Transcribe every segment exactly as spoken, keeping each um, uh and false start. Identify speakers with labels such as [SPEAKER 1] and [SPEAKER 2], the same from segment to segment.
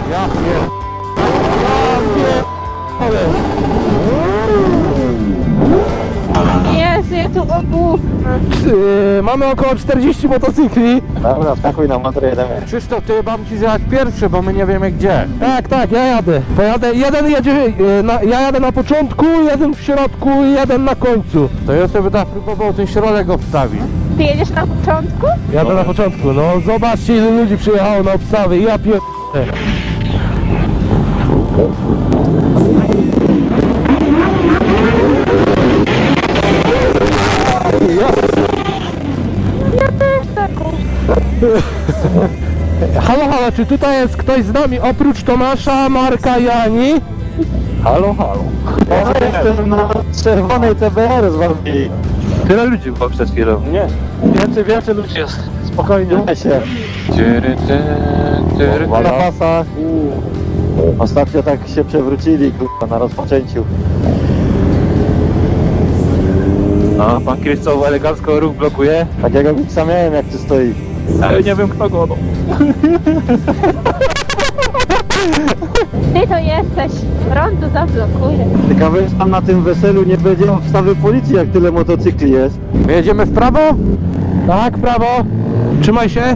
[SPEAKER 1] Ja pier... Ja pier...
[SPEAKER 2] Jezu, ja tu obu.
[SPEAKER 1] Yy, mamy około czterdzieści motocykli.
[SPEAKER 3] Dobra, wskakuj na motor, jedziemy.
[SPEAKER 1] Krzysztof, ty mam ci zjechać pierwszy, bo my nie wiemy gdzie. Tak, tak, ja jadę. Pojadę, jeden jedzie, yy, na, ja jadę na początku, jeden w środku i jeden na końcu. To ja sobie tak próbował ten środek obstawić.
[SPEAKER 2] Ty jedziesz na początku?
[SPEAKER 1] Jadę na początku, no zobaczcie ile ludzi przyjechało na obstawy, ja pier...
[SPEAKER 2] Ja też taką.
[SPEAKER 1] Halo, halo, czy tutaj jest ktoś z nami oprócz Tomasza, Marka i Ani?
[SPEAKER 3] Halo, halo. Ja jestem na czerwonej T B R z wami.
[SPEAKER 4] Tyle ludzi było przed chwilą.
[SPEAKER 3] Nie, więcej, więcej ludzi jest. Spokojnie. Nie się.
[SPEAKER 4] Tyry, ty, tyry,
[SPEAKER 3] Na
[SPEAKER 4] ty.
[SPEAKER 3] pasach. Ostatnio tak się przewrócili, kurwa, na rozpoczęciu.
[SPEAKER 4] No, pan Krzysztof elegancko ruch blokuje.
[SPEAKER 3] Takiego miksa miałem, jak tu stoi.
[SPEAKER 4] Ale nie wiem kto go, no.
[SPEAKER 2] Ty to jesteś. Rondo zablokuje.
[SPEAKER 3] Ciekawe, że tam na tym weselu nie będzie obstawy policji, jak tyle motocykli jest.
[SPEAKER 1] My jedziemy w prawo? Tak, w prawo. Trzymaj się.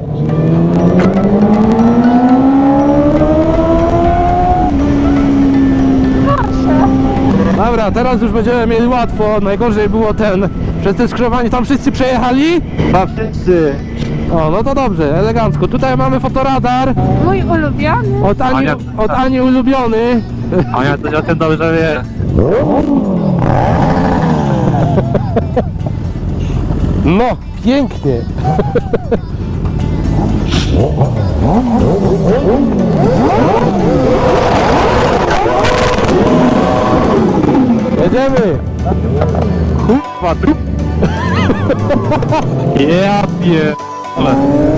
[SPEAKER 2] Proszę.
[SPEAKER 1] Dobra, teraz już będziemy mieli łatwo. Najgorzej było ten, przez te skrzyżowanie, tam wszyscy przejechali?
[SPEAKER 3] A wszyscy.
[SPEAKER 1] O, no to dobrze, elegancko. Tutaj mamy fotoradar.
[SPEAKER 2] Mój ulubiony.
[SPEAKER 1] Od Ani,
[SPEAKER 4] Ania-
[SPEAKER 1] od Ani ulubiony.
[SPEAKER 4] A ja to o tym dobrze wie.
[SPEAKER 1] No, pięknie. Jedziemy.
[SPEAKER 4] Kurwa, trup. Ja pierdolę.